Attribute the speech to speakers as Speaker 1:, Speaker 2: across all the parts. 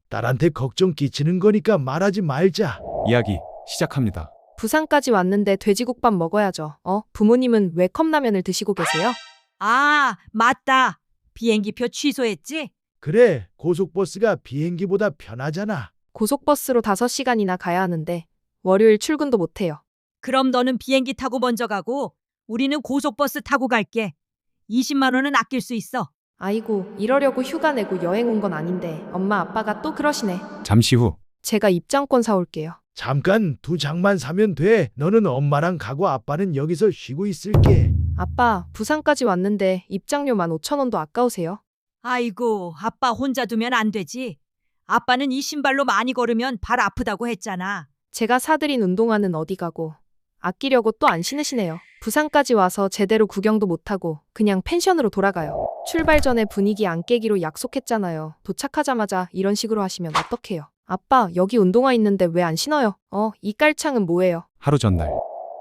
Speaker 1: 딸한테 걱정 끼치는 거니까 말하지 말자.
Speaker 2: 이야기 시작합니다.
Speaker 3: 부산까지 왔는데 돼지국밥 먹어야죠. 부모님은 왜 컵라면을 드시고 계세요?
Speaker 4: 아, 맞다. 비행기표 취소했지?
Speaker 1: 그래, 고속버스가 비행기보다 편하잖아.
Speaker 3: 고속버스로 5시간이나 가야 하는데 월요일 출근도 못해요.
Speaker 4: 그럼 너는 비행기 타고 먼저 가고 우리는 고속버스 타고 갈게. 20만 원은 아낄 수 있어.
Speaker 3: 아이고, 이러려고 휴가 내고 여행 온 건 아닌데 엄마 아빠가 또 그러시네.
Speaker 2: 잠시 후
Speaker 3: 제가 입장권 사올게요.
Speaker 1: 잠깐 2장만 사면 돼. 너는 엄마랑 가고 아빠는 여기서 쉬고 있을게.
Speaker 3: 아빠, 부산까지 왔는데 입장료 15,000원도 아까우세요?
Speaker 4: 아이고, 아빠 혼자 두면 안 되지. 아빠는 이 신발로 많이 걸으면 발 아프다고 했잖아.
Speaker 3: 제가 사드린 운동화는 어디 가고 아끼려고 또 안 신으시네요. 부산까지 와서 제대로 구경도 못하고 그냥 펜션으로 돌아가요. 출발 전에 분위기 안 깨기로 약속했잖아요. 도착하자마자 이런 식으로 하시면 어떡해요? 아빠, 여기 운동화 있는데 왜 안 신어요? 이 깔창은 뭐예요?
Speaker 2: 하루 전날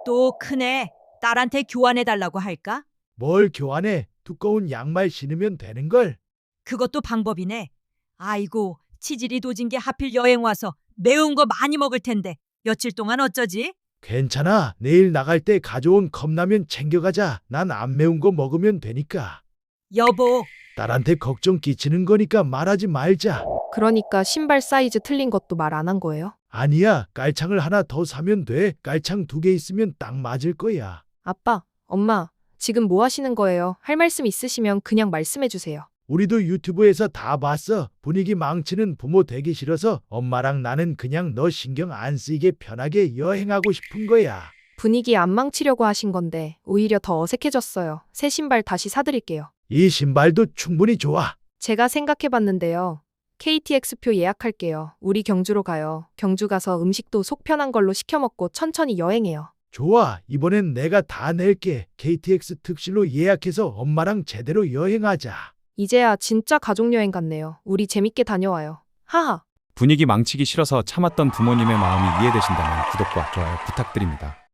Speaker 4: 또 크네. 딸한테 교환해달라고 할까?
Speaker 1: 뭘 교환해? 두꺼운 양말 신으면 되는걸.
Speaker 4: 그것도 방법이네. 아이고, 치질이 도진 게 하필 여행 와서 매운 거 많이 먹을 텐데 며칠 동안 어쩌지?
Speaker 1: 괜찮아. 내일 나갈 때 가져온 컵라면 챙겨가자. 난 안 매운 거 먹으면 되니까.
Speaker 4: 여보,
Speaker 1: 딸한테 걱정 끼치는 거니까 말하지 말자.
Speaker 3: 그러니까 신발 사이즈 틀린 것도 말 안 한 거예요?
Speaker 1: 아니야, 깔창을 하나 더 사면 돼. 깔창 2개 있으면 딱 맞을 거야.
Speaker 3: 아빠, 엄마, 지금 뭐 하시는 거예요? 할 말씀 있으시면 그냥 말씀해 주세요.
Speaker 1: 우리도 유튜브에서 다 봤어. 분위기 망치는 부모 되기 싫어서 엄마랑 나는 그냥 너 신경 안 쓰이게 편하게 여행하고 싶은 거야.
Speaker 3: 분위기 안 망치려고 하신 건데 오히려 더 어색해졌어요. 새 신발 다시 사드릴게요.
Speaker 1: 이 신발도 충분히 좋아.
Speaker 3: 제가 생각해봤는데요. KTX표 예약할게요. 우리 경주로 가요. 경주 가서 음식도 속 편한 걸로 시켜 먹고 천천히 여행해요.
Speaker 1: 좋아. 이번엔 내가 다 낼게. KTX 특실로 예약해서 엄마랑 제대로 여행하자.
Speaker 3: 이제야 진짜 가족여행 같네요. 우리 재밌게 다녀와요. 하하.
Speaker 2: 분위기 망치기 싫어서 참았던 부모님의 마음이 이해되신다면 구독과 좋아요 부탁드립니다.